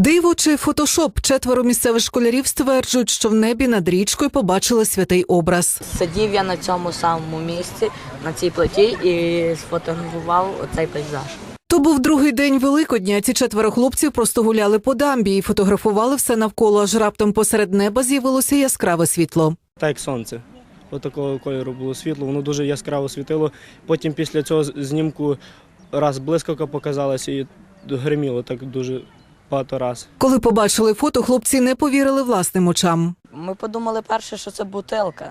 Диво чи фотошоп? 4 місцевих школярів стверджують, що в небі над річкою побачили святий образ. Сидів я на цьому самому місці, на цій плиті і сфотографував оцей пейзаж. То був другий день Великодня. Ці 4 хлопців просто гуляли по дамбі і фотографували все навколо, аж раптом посеред неба з'явилося яскраве світло. Так як сонце. Отакого кольору було світло, воно дуже яскраво світило. Потім після цього знімку раз блискавка показалася і гриміло так дуже багато раз. Коли побачили фото, хлопці не повірили власним очам. Ми подумали перше, що це бутилка,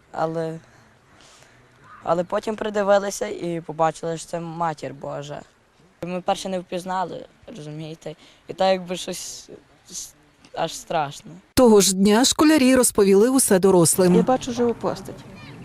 але потім придивилися і побачили, що це Матір Божа. Ми перше не впізнали, розумієте, і так якби щось аж страшно. Того ж дня школярі розповіли усе дорослим. Я бачу живу постать.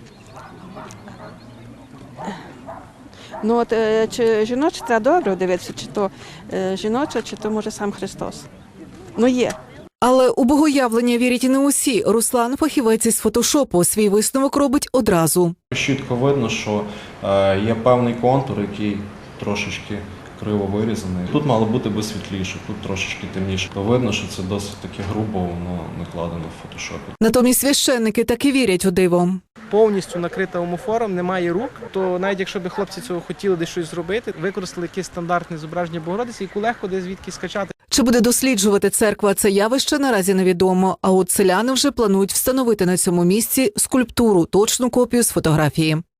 Ну от чи жіноча, треба добре дивитися, чи то жіноча, чи то може сам Христос. Ну є. Але у богоявлення вірять і не усі. Руслан, фахівець із фотошопу, свій висновок робить одразу. Чітко видно, що є певний контур, який трошечки криво вирізаний. Тут мало бути би світліше, тут трошечки темніше. Видно, що це досить таки грубо, воно накладено в фотошопі. Натомість священники таки вірять у диво. Повністю накрита омофором, немає рук, то навіть якщо б хлопці цього хотіли десь щось зробити, використали якесь стандартне зображення Богородиці, яку легко десь звідки скачати. Чи буде досліджувати церква це явище, наразі невідомо. А от селяни вже планують встановити на цьому місці скульптуру, точну копію з фотографії.